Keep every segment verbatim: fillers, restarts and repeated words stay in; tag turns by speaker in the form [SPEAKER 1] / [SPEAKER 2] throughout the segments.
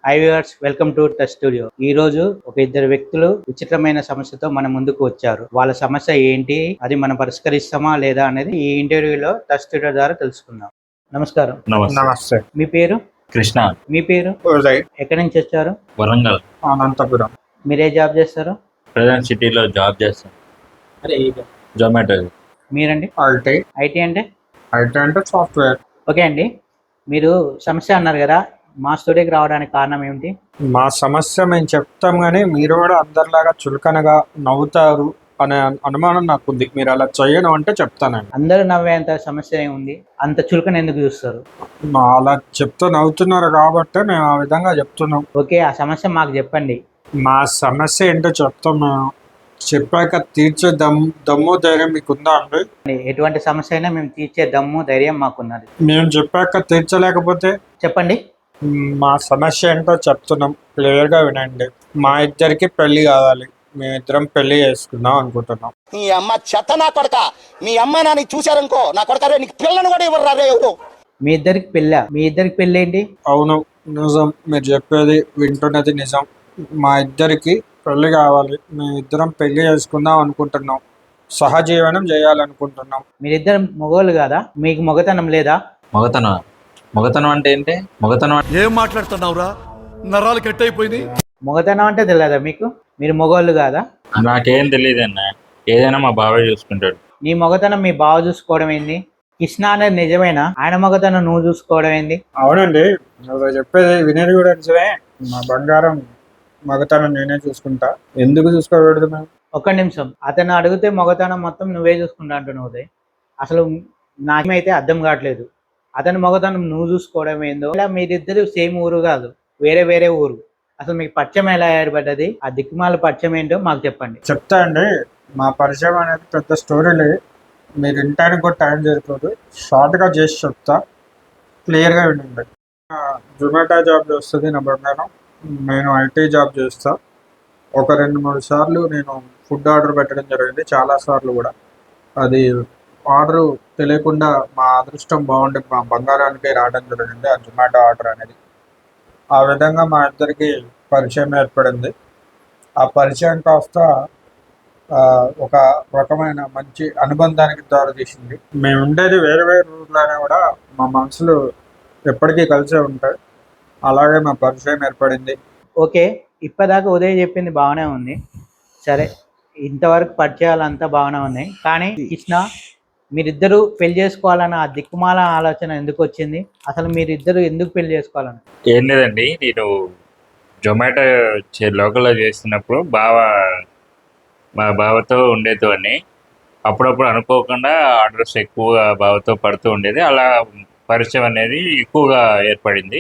[SPEAKER 1] High viewers, welcome to touch studio. ఈ రోజు ఒక ఇద్దరు వ్యక్తులు విచిత్రమైన సమస్యతో మన ముందుకు వచ్చారు. వాళ్ళ సమస్య ఏంటి, అది మనం పరిష్కరిస్తామా లేదా అనేది ఈ ఇంటర్వ్యూలో టచ్ స్టూడియో ద్వారా తెలుసుకుందాం. నమస్కారం.
[SPEAKER 2] నమస్తే.
[SPEAKER 1] మీ పేరు?
[SPEAKER 2] కృష్ణ.
[SPEAKER 1] మీ పేరు?
[SPEAKER 2] ఉదయ్.
[SPEAKER 1] ఎక్కడి నుంచి వచ్చారు?
[SPEAKER 2] వరంగల్. అనంతపురం.
[SPEAKER 1] మీరే జాబ్ చేస్తారు?
[SPEAKER 2] ప్రజెంట్ సిటీలో జాబ్ చేస్తాను. జొమాటో.
[SPEAKER 1] మీరండి?
[SPEAKER 2] ఐటీ.
[SPEAKER 1] ఐటీ అంటే?
[SPEAKER 2] ఐటీ అంటే సాఫ్ట్వేర్.
[SPEAKER 1] ఓకే అండి, మీరు సమస్య అన్నారు కదా, మా స్టూడియోకి రావడానికి కారణం ఏమిటి?
[SPEAKER 2] మా సమస్య మేము చెప్తాం కానీ మీరు కూడా అందరిలాగా చులకనగా నవ్వుతారు అనే అనుమానం నాకు ఉంది. మీరు అలా చేయను అంటే చెప్తానండి.
[SPEAKER 1] అందరూ నవ్వేంత సమస్య ఏముంది, అంత చులకన ఎందుకు చూస్తారు?
[SPEAKER 2] మా అలా చెప్తూ నవ్వుతున్నారు కాబట్టి మేము ఆ విధంగా చెప్తున్నాం.
[SPEAKER 1] ఓకే, ఆ సమస్య మాకు చెప్పండి.
[SPEAKER 2] మా సమస్య ఏంటో చెప్తాం. మేము చెప్పాక తీర్చే దమ్ దమ్ము ధైర్యం మీకుందా అండి?
[SPEAKER 1] ఎటువంటి సమస్య అయినా మేము తీర్చే దమ్ము ధైర్యం మాకున్నది.
[SPEAKER 2] మేము చెప్పాక తీర్చలేకపోతే?
[SPEAKER 1] చెప్పండి.
[SPEAKER 2] మా సమస్య ఏంటో చెప్తున్నాం, క్లియర్గా వినండి. మా ఇద్దరికి పెళ్లి కావాలి, మేమిద్దరం పెళ్లి చేసుకుందాం అనుకుంటున్నాం.
[SPEAKER 3] నీ అమ్మ చెత్త నా కొడక, మీ అమ్మ నాని చూశారనుకో నా కొడక రే, నీకు పిల్లను కూడా ఇవ్వరు రే ఎవరు.
[SPEAKER 1] మీ ఇద్దరికి పెళ్ళా? మీ ఇద్దరికి పెళ్ళి ఏంటి?
[SPEAKER 2] అవును, నిజం. మీరు చెప్పేది వింటున్నది నిజం. మా ఇద్దరికి పెళ్లి కావాలి, మేమిద్దరం పెళ్లి చేసుకుందాం అనుకుంటున్నాం, సహజీవనం చేయాలనుకుంటున్నాం.
[SPEAKER 1] మీరిద్దరు మగవాళ్ళు కాదా? మీకు మగతనం లేదా?
[SPEAKER 4] మగతనం మగతనం అంటే ఏంటి? మగతనం
[SPEAKER 5] ఏం మాట్లాడుతున్నావురా, నరాలు కట్ అయిపోయింది.
[SPEAKER 1] మగతనం అంటే తెలియదా మీకు? మీరు మగవాళ్ళు కాదా?
[SPEAKER 4] నాకేం తెలియదు అన్న, ఏదైనా మా బాబాయ్ చూసుకుంటాడు.
[SPEAKER 1] నీ మగతనం మీ బావ చూసుకోవడం ఏంది? కృష్ణ అనేది నిజమేనా? ఆయన మగతనం నువ్వు చూసుకోవడం ఏంది?
[SPEAKER 2] అవునండి, నువ్వు చెప్పేది వినేది కూడా నిజమే. మా బంగారం మగతనం నేనే చూసుకుంటా, ఎందుకు చూసుకోకూడదు మేము?
[SPEAKER 1] ఒక్క నిమిషం, అతను అడిగితే మగతనం మొత్తం నువ్వే చూసుకుంటా అంటున్నావు ఉదయ్. అసలు నాకేమైతే అర్థం కావట్లేదు. అతని మగతనం నువ్వు చూసుకోవడం ఏందో, ఇలా మీరిద్దరు సేమ్ ఊరు కాదు, వేరే వేరే ఊరు. అసలు మీకు పరిచయం ఎలా ఏర్పడ్డది? ఆ దిక్కుమాల పరిచయం ఏంటో మాకు చెప్పండి.
[SPEAKER 2] చెప్తా అండి. మా పరిచయం అనేది పెద్ద స్టోరీలే, మీరు వినటానికి కూడా టైం సరిపోదు. షార్ట్గా చేసి చెప్తా, క్లియర్గా వినండి. జొమాటో జాబ్ చేస్తుంది నా బంగారం, నేను ఐటీ జాబ్ చేస్తా. ఒక రెండు మూడు సార్లు నేను ఫుడ్ ఆర్డర్ పెట్టడం జరిగింది, చాలాసార్లు కూడా. అది ఆర్డరు తెలియకుండా మా అదృష్టం బాగుండి మా బంగారానికి రావడం జరిగింది ఆ జొమాటో ఆర్డర్ అనేది. ఆ విధంగా మా ఇద్దరికి పరిచయం ఏర్పడింది. ఆ పరిచయం కాస్త ఒక రకమైన మంచి అనుబంధానికి దారితీసింది. మేము ఉండేది వేరే వేరే ఊర్లోనే కూడా మా మనసులు ఎప్పటికీ కలిసే ఉంటాయి. అలాగే మా పరిచయం ఏర్పడింది.
[SPEAKER 1] ఓకే, ఇప్పటిదాకా ఉదయ్ చెప్పింది బాగానే ఉంది. సరే, ఇంతవరకు పరిచయాలు అంతా బాగానే ఉన్నాయి. కానీ కృష్ణ, మీరిద్దరూ పెళ్లి చేసుకోవాలన్న ఆ దిక్కుమాల ఆలోచన ఎందుకు వచ్చింది? అసలు మీరిద్దరు ఎందుకు పెళ్లి చేసుకోవాలని?
[SPEAKER 4] ఏం లేదండి, నేను జొమాటో లోకల్లో చేస్తున్నప్పుడు బావ మా బావతో ఉండేదాన్ని. అప్పుడప్పుడు అనుకోకుండా ఆర్డర్స్ ఎక్కువగా బావతో పడుతూ ఉండేది. అలా పరిచయం అనేది ఎక్కువగా ఏర్పడింది.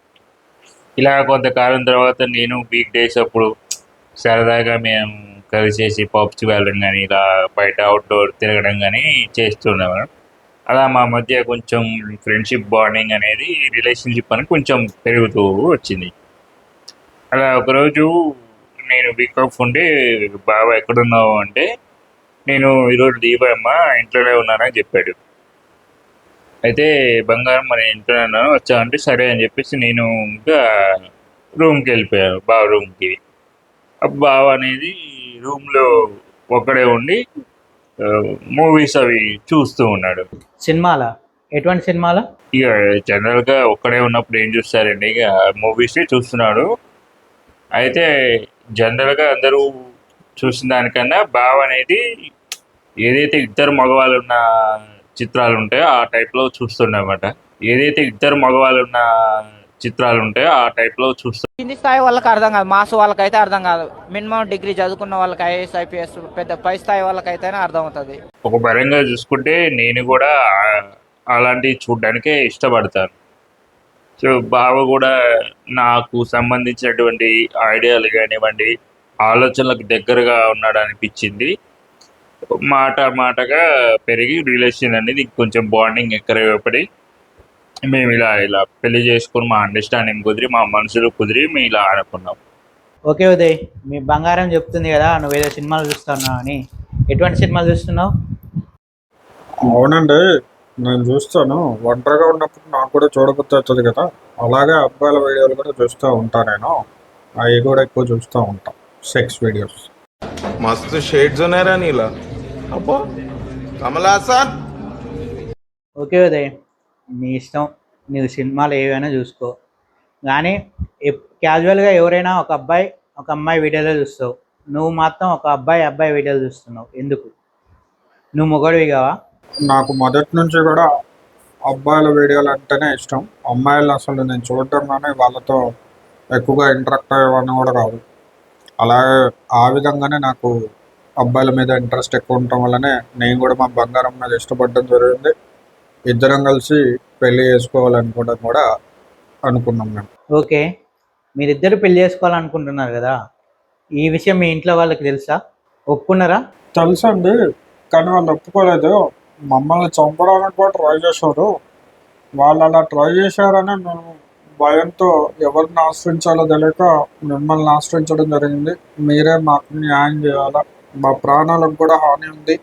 [SPEAKER 4] ఇలా కొంతకాలం తర్వాత నేను వీక్ డేస్ అప్పుడు సరదాగా మేము కలిసేసి పబ్స్కి వెళ్ళడం కానీ, ఇలా బయట అవుట్డోర్ తిరగడం కానీ చేస్తున్నాము. అలా మా మధ్య కొంచెం ఫ్రెండ్షిప్ బాండింగ్ అనేది, రిలేషన్షిప్ అనేది కొంచెం పెరుగుతూ వచ్చింది. అలా ఒకరోజు నేను వీక్ ఆఫ్ ఉండి, బాబా ఎక్కడున్నావు అంటే, నేను ఈరోజు దీపమ్మ ఇంట్లోనే ఉన్నానని చెప్పాడు. అయితే బంగారం మరి ఇంట్లోనే ఉన్నాను వచ్చా అంటే సరే అని చెప్పేసి నేను ఇంకా రూమ్కి వెళ్ళిపోయాను, బావ రూమ్కి. బావ అనేది రూమ్లో ఒక్కడే ఉండి మూవీస్ అవి చూస్తూ ఉన్నాడు.
[SPEAKER 1] సినిమాలా? ఎటువంటి సినిమాలు?
[SPEAKER 4] ఇక జనరల్గా ఒక్కడే ఉన్నప్పుడు ఏం చూస్తారండి, ఇక మూవీస్ చూస్తున్నాడు. అయితే జనరల్గా అందరూ చూసిన దానికన్నా బావ అనేది ఏదైతే ఇద్దరు మగవాళ్ళు ఉన్న చిత్రాలు ఉంటాయో ఆ టైప్లో చూస్తుండమాట. ఏదైతే ఇద్దరు మగవాళ్ళు ఉన్న చిత్రాలు ఉంటాయో ఆ టైప్లో చూస్తాం.
[SPEAKER 6] కింది స్థాయి వాళ్ళకి అర్థం కాదు, మాస్ వాళ్ళకైతే అర్థం కాదు. మినిమం డిగ్రీ చదువుకున్న వాళ్ళకి ఐఏఎస్ ఐపీఎస్ పెద్ద పై స్థాయి వాళ్ళకైతేనే అర్థం అవుతుంది.
[SPEAKER 4] ఒక పరంగా చూసుకుంటే నేను కూడా అలాంటివి చూడడానికే ఇష్టపడతాను. సో బావ కూడా నాకు సంబంధించినటువంటి ఐడియాలు కానివ్వండి, ఆలోచనలకు దగ్గరగా ఉన్నాడు అనిపించింది. మాట మాటగా పెరిగి రిలేషన్ అనేది కొంచెం బాండింగ్ ఎక్కువపడి మేము ఇలా ఇలా పెళ్లి చేసుకుని మా అండర్స్టాండింగ్ కుదిరి, మా మనసులు కుదిరి మేము ఇలా అనుకున్నాం.
[SPEAKER 1] ఓకే ఉదయ్, మీ బంగారం చెప్తుంది కదా నువ్వు ఏదో సినిమాలు చూస్తున్నావు అని. ఎటువంటి సినిమాలు చూస్తున్నావు?
[SPEAKER 2] అవునండి, నేను చూస్తాను. ఒంటరిగా ఉన్నప్పుడు నాకు కూడా చూడబుద్ధి అవుతుంది కదా, అలాగే అబ్బాయిల వీడియోలు కూడా చూస్తూ ఉంటాను నేను. అవి కూడా ఎక్కువ చూస్తూ ఉంటాం, సెక్స్ వీడియోస్.
[SPEAKER 7] मस्त शेड्स नाही रा नीला अप्पा कमला असा
[SPEAKER 1] ఓకే ఉదయ్, నీ ఇష్టం, నీవు సినిమాలు ఏవైనా చూసుకో. కానీ క్యాజువల్గా ఎవరైనా ఒక అబ్బాయి ఒక అమ్మాయి వీడియోలో చూస్తావు, నువ్వు మాత్రం ఒక అబ్బాయి అబ్బాయి వీడియోలు చూస్తున్నావు, ఎందుకు? నువ్వు మొగడివి కావా?
[SPEAKER 2] నాకు మొదటి నుంచి కూడా అబ్బాయిల వీడియోలు అంటేనే ఇష్టం. అమ్మాయిలు అసలు నేను చూడటం కానీ వాళ్ళతో ఎక్కువగా ఇంటరాక్ట్ అయ్యేవాడిని కూడా కాదు. అలాగే ఆ విధంగానే నాకు అబ్బాయిల మీద ఇంట్రెస్ట్ ఎక్కువ ఉండటం వల్లనే నేను కూడా మా బంగారం మీద ఇష్టపడడం జరిగింది. ఇద్దరం కలిసి పెళ్లి చేసుకోవాలనుకోవడం కూడా అనుకున్నాం మేము.
[SPEAKER 1] ఓకే, మీరిద్దరు పెళ్లి చేసుకోవాలనుకుంటున్నారు కదా, ఈ విషయం మీ ఇంట్లో వాళ్ళకి తెలుసా? ఒప్పుకున్నారా?
[SPEAKER 2] తెలుసండి, కానీ వాళ్ళు ఒప్పుకోలేదు. మమ్మల్ని చంపడానికి కూడా ట్రై చేశారు. వాళ్ళు అలా ట్రై చేశారని మేము భయంతో ఎవరిని ఆశ్రయించాలో తెలియక మిమ్మల్ని ఆశ్రయించడం జరిగింది. మీరే మాకు న్యాయం చేయాలా, మా ప్రాణాలకు కూడా హాని ఉంది,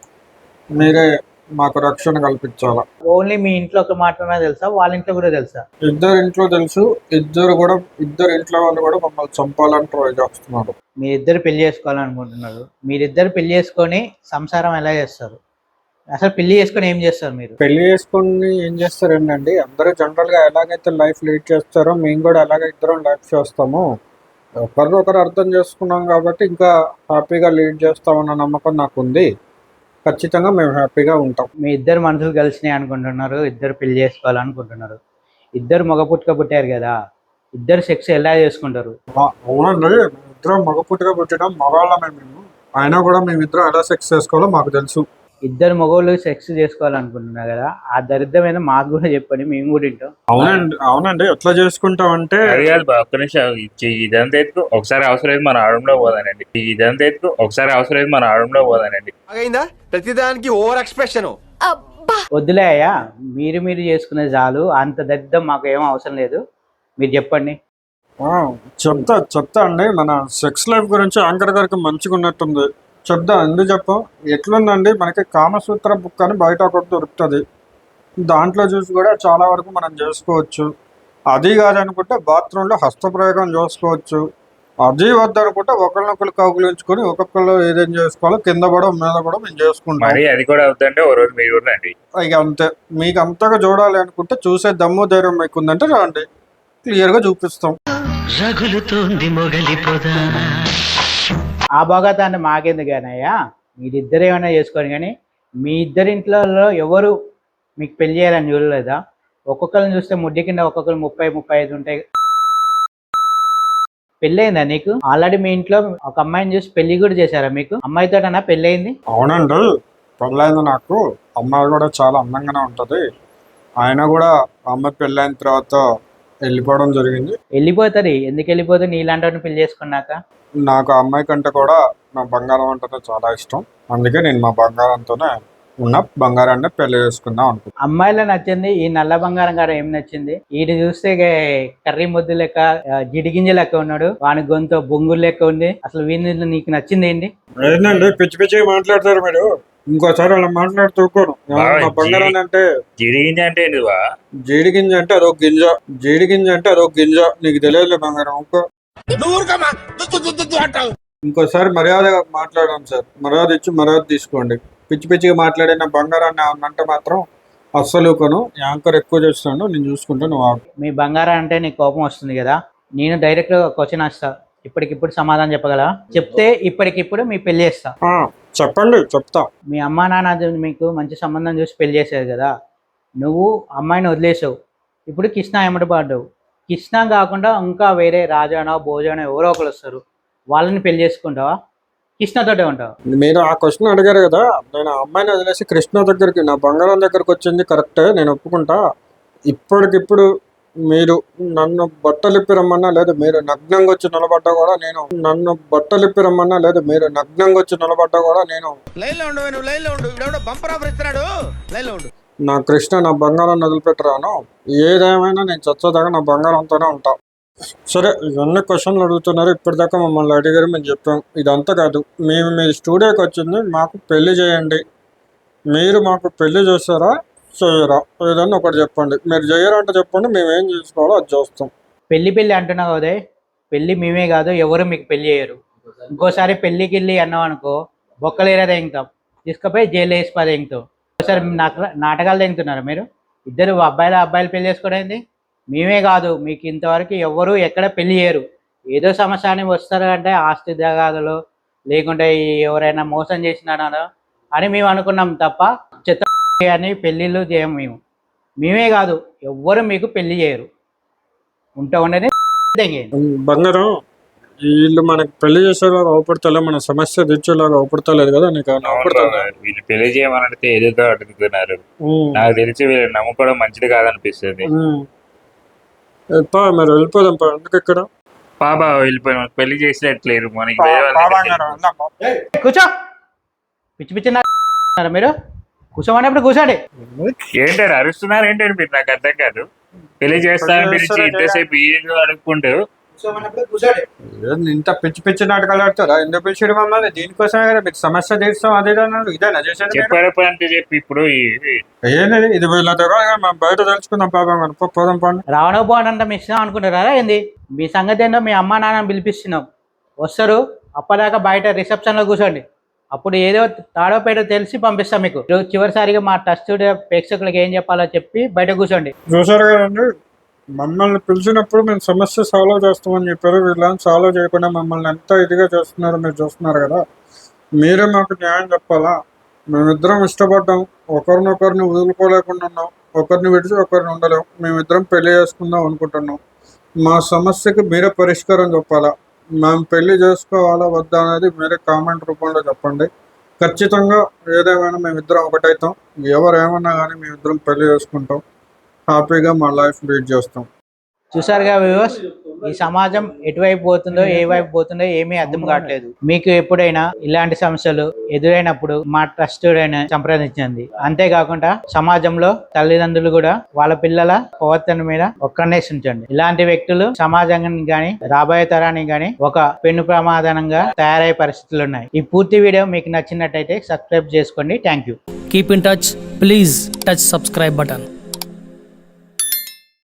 [SPEAKER 2] మీరే మాకు రక్షణ కల్పించాలా.
[SPEAKER 1] ఓన్లీ మీ ఇంట్లో ఒక మాత్రమే తెలుసా, వాళ్ళ ఇంట్లో కూడా తెలుసా?
[SPEAKER 2] ఇద్దరు ఇంట్లో తెలుసు, ఇద్దరు కూడా ఇద్దరు ఇంట్లో వాళ్ళు కూడా మమ్మల్ని చంపాలని ట్రై చేస్తున్నారు.
[SPEAKER 1] మీరిద్దరు పెళ్లి చేసుకోవాలనుకుంటున్నారు, మీరిద్దరు పెళ్లి చేసుకొని సంసారం ఎలా చేస్తారు? అసలు పెళ్లి చేసుకొని ఏం చేస్తారు మీరు?
[SPEAKER 2] పెళ్లి చేసుకుని ఏం చేస్తారండి, అందరూ జనరల్ గా ఎలాగైతే లైఫ్ లీడ్ చేస్తారో మేము కూడా అలాగే ఇద్దరం లైఫ్ చేస్తాము. ఒకరినొకరు అర్థం చేసుకున్నాం కాబట్టి ఇంకా హ్యాపీగా లీడ్ చేస్తామన్న నమ్మకం నాకు ఉంది. ఖచ్చితంగా మేము హ్యాపీగా ఉంటాం.
[SPEAKER 1] మీ ఇద్దరు మనుషులు కలిసినాయి అనుకుంటున్నారు, ఇద్దరు పెళ్లి చేసుకోవాలనుకుంటున్నారు, ఇద్దరు మగ పుట్టుక పుట్టారు కదా, ఇద్దరు సెక్స్ ఎలా చేసుకుంటారు?
[SPEAKER 2] ఆ, అవునండి, ఇద్దరం మగ పుట్టుగా పుట్టడం మగవాళ్ళమే మేము. అయినా కూడా మేమిద్దరం ఎలా సెక్స్ చేసుకోవాలో మాకు తెలుసు.
[SPEAKER 1] ఇద్దరు మగవాళ్ళు సెక్స్ చేసుకోవాలనుకుంటున్నారు కదా, ఆ దరిద్రమైన మాకు కూడా చెప్పండి, మేము కూడా వింటాం.
[SPEAKER 2] అవునండి అవునండి ఎట్లా చేసుకుంటాం అంటే
[SPEAKER 4] అది కాదు బా, ఒక్క నిమిషం ఇచ్చి ఇదంతా ఎత్తుకు ఒకసారి అవసరం లేదు మన ఆడంలో పోదానండి. ఇదంతా ఎత్తుకు ఒకసారి అవసరం లేదు మన ఆడంలో పోదానండి.
[SPEAKER 7] అయిందా ప్రతిదానికి ఓవర్ ఎక్స్ప్రెషన్
[SPEAKER 1] వద్దులే అయ్యా, మీరు మీరు చేసుకునే చాలు, అంత దరిద్రం మాకు ఏమో అవసరం లేదు, మీరు చెప్పండి.
[SPEAKER 2] ఆ, చెప్తా చెప్తా అండి. మన సెక్స్ లైఫ్ గురించి యాంకర్ గారికి మంచిగా ఉన్నట్టుంది, చెప్దా ఎందుకు చెప్పం. ఎట్లుందండి, మనకి కామసూత్ర బుక్ అని బయట ఒకటి దొరుకుతుంది, దాంట్లో చూసి కూడా చాలా వరకు మనం చేసుకోవచ్చు. అది కాదనుకుంటే బాత్రూంలో హస్తప్రయోగం చేసుకోవచ్చు. అది వద్దనుకుంటే ఒకరినొకరు కౌగులించుకొని ఒక్కొక్కరు ఏదేం చేసుకోవాలో కింద పడడం మీద కూడా మేము చేసుకుంటాం.
[SPEAKER 4] మరి అది కూడా అవుతుంటే ఓ రోజు మీరు కూడా రండి.
[SPEAKER 2] ఇక అంతే, మీకు అంతగా చూడాలి అనుకుంటే చూసే దమ్ము ధైర్యం మీకు ఉందంటే రండి, క్లియర్గా చూపిస్తాం.
[SPEAKER 1] ఆ భోగతాన్ని మాకెందుకనయ్యా, మీరిద్దరు ఏమైనా చేసుకోండి, కానీ మీ ఇద్దరి ఇంట్లో ఎవరు మీకు పెళ్లి చేయాలని చూడలేదా? ఒక్కొక్కరిని చూస్తే ముడ్డి కింద ఒక్కొక్కరు ముప్పై ముప్పై ఐదు ఉంటాయి. పెళ్ళయిందా నీకు? ఆల్రెడీ మీ ఇంట్లో ఒక అమ్మాయిని చూసి పెళ్లి కూడా చేశారా మీకు? అమ్మాయితోటనా పెళ్ళయింది?
[SPEAKER 2] అవునండి, పెళ్ళైంది నాకు. అమ్మాయి కూడా చాలా అందంగానే ఉంటుంది. ఆయన కూడా అమ్మాయి పెళ్ళైన తర్వాత వెళ్ళిపోవడం జరిగింది.
[SPEAKER 1] వెళ్ళిపోతుంది, ఎందుకు వెళ్ళిపోతుంది? నీలాంటి పెళ్లి చేసుకున్నాక.
[SPEAKER 2] నాకు ఆ అమ్మాయి కంటే కూడా నా బంగారం అంటేనే చాలా ఇష్టం, అందుకే నేను మా బంగారంతోనే ఉన్న బంగారాన్ని పెళ్లి చేసుకుందాం అనుకుంటున్నాను.
[SPEAKER 1] అమ్మాయిలో నచ్చింది ఈ నల్ల బంగారం గారు ఏం నచ్చింది? వీడు చూస్తే కర్రీ ముద్దు లెక్క, జిడిగింజ లెక్క ఉన్నాడు, వాని గొంతు బొంగులు లెక్క ఉంది. అసలు వీని నీకు నచ్చింది ఏంటి?
[SPEAKER 2] ఏంటండి పిచ్చి పిచ్చిగా మాట్లాడతారు మీరు, ఇంకోసారి అలా మాట్లాడుతూకోను. మా బంగారం అంటే
[SPEAKER 4] జీడిగింజ అంటే ఏంటివా?
[SPEAKER 2] జీడి గింజ అంటే అదొక గింజ, జీడి గింజ అంటే అదొక గింజ, నీకు తెలియదులే బంగారం. ఇంకో ఇంకోసారి మర్యాదగా మాట్లాడాం సార్, మర్యాద ఇచ్చి మర్యాద తీసుకోండి. పిచ్చి పిచ్చిగా మాట్లాడిన బంగారాన్ని అంటే మాత్రం అస్సలు కొను. యాంకర్ ఎక్కువ చేస్తున్నాడు, నేను చూసుకుంటా, నువ్వు ఆగు.
[SPEAKER 1] మీ బంగారం అంటే నీకు కోపం వస్తుంది కదా, నేను డైరెక్ట్ క్వశ్చన్ వస్తా, ఇప్పటికిప్పుడు సమాధానం చెప్పగలవా? చెప్తే ఇప్పటికిప్పుడు మీ పెళ్లి చేస్తా.
[SPEAKER 2] ఆ, చెప్పండి, చెప్తా.
[SPEAKER 1] మీ అమ్మా నాన్న మీకు మంచి సంబంధం చూసి పెళ్లి చేశారు కదా, నువ్వు అమ్మాయిని వదిలేసావు, ఇప్పుడు కృష్ణ ఎమ్మటి పడ్డావు. కృష్ణ కాకుండా ఇంకా వేరే రాజానో భోజనో ఎవరో ఒకరు వస్తారు, వాళ్ళని పెళ్లి చేసుకుంటావా? కృష్ణతోటే ఉంటావా?
[SPEAKER 2] మీరు ఆ క్వశ్చన్ అడిగారు కదా, నేను ఆ అమ్మాయిని వదిలేసి కృష్ణ దగ్గరికి, నా బంగారం దగ్గరికి వచ్చింది కరెక్టే, నేను ఒప్పుకుంటా. ఇప్పటికిప్పుడు మీరు నన్ను బట్టలిప్పి రమ్మన్నా లేదు, మీరు నగ్నంగా వచ్చి నిలబడ్డా కూడా నేను నన్ను బట్టలిప్పి రమ్మన్నా లేదు, మీరు నగ్నంగా వచ్చి నిలబడ్డా కూడా నేను నా కృష్ణ నా బంగారాన్ని వదిలిపెట్టరాను. ఏదేమైనా నేను చచ్చేదాకా నా బంగారంతోనే ఉంటా. సరే, ఇవన్నీ క్వశ్చన్లు అడుగుతున్నారు, ఇప్పటిదాకా మమ్మల్ని అడిగారు, మేము చెప్పాం. ఇదంతా కాదు, మేము మీ స్టూడియోకి వచ్చింది మాకు పెళ్లి చేయండి, మీరు మాకు పెళ్లి చేస్తారా చేయరా? ఏదన్నా ఒకటి చెప్పండి. మీరు చేయరా అంటే చెప్పండి, మేము ఏం చేసుకోవాలో అది చేస్తాం.
[SPEAKER 1] పెళ్లి పెళ్లి అంటున్నావు ఉదయ్, పెళ్లి మేమే కాదు ఎవరు మీకు పెళ్లి చేయరు. ఇంకోసారి పెళ్లికి వెళ్ళి అన్నావు అనుకో బొక్కలేరా తెంగుతాం, తీసుకుపోయి జైలు వేసి పది తెంగుతాం. ఒకసారి నాకు నాటకాలు తెంగుతున్నారు మీరు. ఇద్దరు అబ్బాయిలు అబ్బాయిలు పెళ్లి చేసుకోవడం ఏంది? మేమే కాదు మీకు ఇంతవరకు ఎవరు ఎక్కడ పెళ్లి చేయరు. ఏదో సమస్య అని వస్తారు అంటే ఆస్తి తగాదులు లేకుంటే ఎవరైనా మోసం చేసినారో అని మేము అనుకున్నాం తప్ప చెత్త అని పెళ్ళిళ్ళు చేయం మేము. మేమే కాదు ఎవ్వరు మీకు పెళ్లి చేయరు. ఉంటే ఉండేది
[SPEAKER 2] బంగారం, వీళ్ళు మనకి పెళ్లి చేసేలాగా అవపడతలే, మన సమస్య తీర్చేలాగా అవపడతలేదు కదా నీకు?
[SPEAKER 4] అవును బాబా, వీళ్ళు పెళ్లి చేయమని అడిగితే ఏదేదో అడుగుతున్నారు. నాకు తెలిసి వీళ్ళు నమ్ముకోవడం మంచిది కాదనిపిస్తుంది.
[SPEAKER 2] మీరు వెళ్ళిపోదాం పా. ఎందుకు ఇక్కడ
[SPEAKER 4] బాబా వెళ్ళిపోయిన పెళ్లి చేసినట్లేరు మనకి.
[SPEAKER 1] కూర్చో, పిచ్చి పిచ్చి నా- మీరు కూర్చోమన్నప్పుడు కూర్చోండి.
[SPEAKER 4] ఏంటారు అరుస్తున్నారు ఏంటంటే మీరు? నాకు అర్థం కాదు. పెళ్లి చేస్తానని పిలిచి ఇంతసేపు ఏదో అడుక్కుంటూ
[SPEAKER 2] ఇంత పిచ్చి పిచ్చి నాటకాలు ఆడతారా? ఎందుకు పిలిచాడు మమ్మల్ని? దీనికోసమే కదా మీకు సమస్య తీర్చాం. అదే ఇదేనా చేసేది?
[SPEAKER 4] చెప్పారు అంటే చెప్పి ఇప్పుడు
[SPEAKER 2] ఏంటది ఇది? వీళ్ళ దగ్గర మనం బయట తెలుసుకుందాం పాపం. మనం పోదాం పండి.
[SPEAKER 1] రావణ పోవడం మీ ఇష్టం అనుకుంటారా ఏంది? మీ సంగతి ఏంటో మీ అమ్మ నాన్న పిలిపిస్తున్నాం, వస్తారు. అప్పటిదాకా బయట రిసెప్షన్లో కూర్చోండి. అప్పుడు ఏదో తాడో పేడో తెలిసి పంపిస్తాం మీకు. చివరిసారిగా మా ట్రస్ట్ ప్రేక్షకులకు ఏం చెప్పాలో చెప్పి బయట కూర్చోండి.
[SPEAKER 2] చూసారు కదండి, మమ్మల్ని పిలిచినప్పుడు మేము సమస్య సాల్వ్ చేస్తామని చెప్పారు. వీళ్ళని సాల్వ్ చేయకుండా మమ్మల్ని ఎంత ఇదిగా చేస్తున్నారో మీరు చూస్తున్నారు కదా. మీరే మాకు న్యాయం చెప్పాలా? మేమిద్దరం ఇష్టపడ్డాం, ఒకరినొకరిని వదులుకోలేకుండా ఉన్నాం, ఒకరిని విడిచి ఒకరిని ఉండలేం. మేమిద్దరం పెళ్లి చేసుకుందాం అనుకుంటున్నాం. మా సమస్యకి మీరే పరిష్కారం చెప్పాలా? మేము పెళ్లి చేసుకోవాలా వద్దా అనేది మీరే కామెంట్ రూపంలో చెప్పండి. ఖచ్చితంగా ఏదేమైనా మేమిద్దరం ఒకటైతాం. ఎవరు ఏమన్నా కానీ మేమిద్దరం పెళ్లి చేసుకుంటాం, హ్యాపీగా మా లైఫ్ లీడ్ చేస్తాం.
[SPEAKER 1] చూసారుగా వ్యూవర్స్, ఈ సమాజం ఎటువైపు పోతుందో ఏ వైపు పోతుందో ఏమీ అర్థం కావట్లేదు. మీకు ఎప్పుడైనా ఇలాంటి సమస్యలు ఎదురైనప్పుడు మా ట్రస్ట్ సంప్రదించండి. అంతేకాకుండా సమాజంలో తల్లిదండ్రులు కూడా వాళ్ళ పిల్లల ప్రవర్తన మీద ఒక్కనే ఉంచండి. ఇలాంటి వ్యక్తులు సమాజానికి గాని రాబోయే తరానికి గాని ఒక పెను ప్రమాదంగా తయారయ్యే పరిస్థితులు ఉన్నాయి. ఈ పూర్తి వీడియో మీకు నచ్చినట్టయితే సబ్స్క్రైబ్ చేసుకోండి. Thank you.
[SPEAKER 8] Keep in touch. Please touch subscribe button.